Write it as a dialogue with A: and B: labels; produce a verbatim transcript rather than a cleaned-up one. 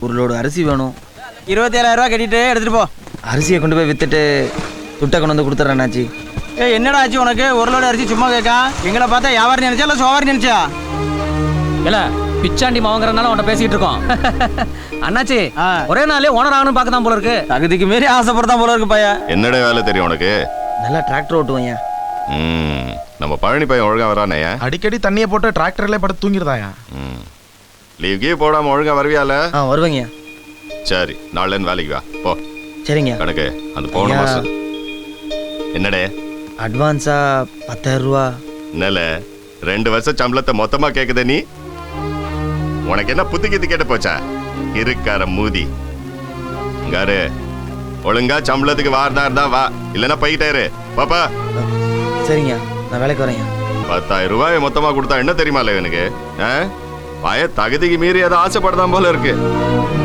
A: ஒரு லோடு அரிசி வேணும்.
B: இருபத்தி ஏழாயிரம் ரூபா கட்டிட்டு எடுத்துட்டு போ.
A: அரிசியை கொண்டு போய் வித்துட்டு துட்டை கொண்டு வந்து கொடுத்துட்றேன் அண்ணாச்சி.
B: ஏ என்னடா ஆச்சு உனக்கு? ஒரு லோடு அரிசி சும்மா கேட்கா? எங்களை பார்த்தா வியாபாரம் நினைச்சா இல்லை சோவாரி நினைச்சா?
C: இல்ல பிச்சாண்டி மாவங்கிறனால உன்ட்ட பேசிட்டு இருக்கோம். அண்ணாச்சி ஒரே நாளே ஓனர் ஆகணும் பார்க்க தான் போல இருக்கு.
B: தகுதிக்கு மீறி ஆசைப்படுறதான் போல இருக்கு பையன்.
D: என்னடா வேலை தெரியும் உனக்கு?
A: நல்லா டிராக்டர் ஓட்டுவோம்.
D: ம் நம்ம பழனி பையன் ஒழுங்கா வரானே?
E: அடிக்கடி தண்ணியை போட்டு டிராக்டர்ல படுத்து தூங்கிடுதாயா?
D: ம் லீவ் கீவ் போடாம ஒழுங்கா வருவியால?
A: ஆ வருவேங்க.
D: சரி நாளைல வேலைக்கு வா போ.
A: சரிங்க.
D: கணக்கு அந்த போன மாசம் என்னடே
A: அட்வான்ஸா பத்தாயிரம் ரூபா.
D: என்னல ரெண்டு வருஷம் சம்பளத்தை மொத்தமா கேக்குத நீ? உனக்கு என்ன புத்தி கித்து கேட்டு போச்சா? இருக்கார மூதி இங்காரு ஒழுங்கா சம்பளத்துக்கு வாரதா இருந்தா வா, இல்லைன்னா போயிட்டாரு பாப்பா.
A: சரிங்க நான் வேலைக்கு வரேங்க.
D: பத்தாயிரம் ரூபாய் மொத்தமா கொடுத்தா என்ன தெரியுமா எனக்கு? பய தகுதிக்கு மீறி அதை ஆசைப்படுதான் போல இருக்கு.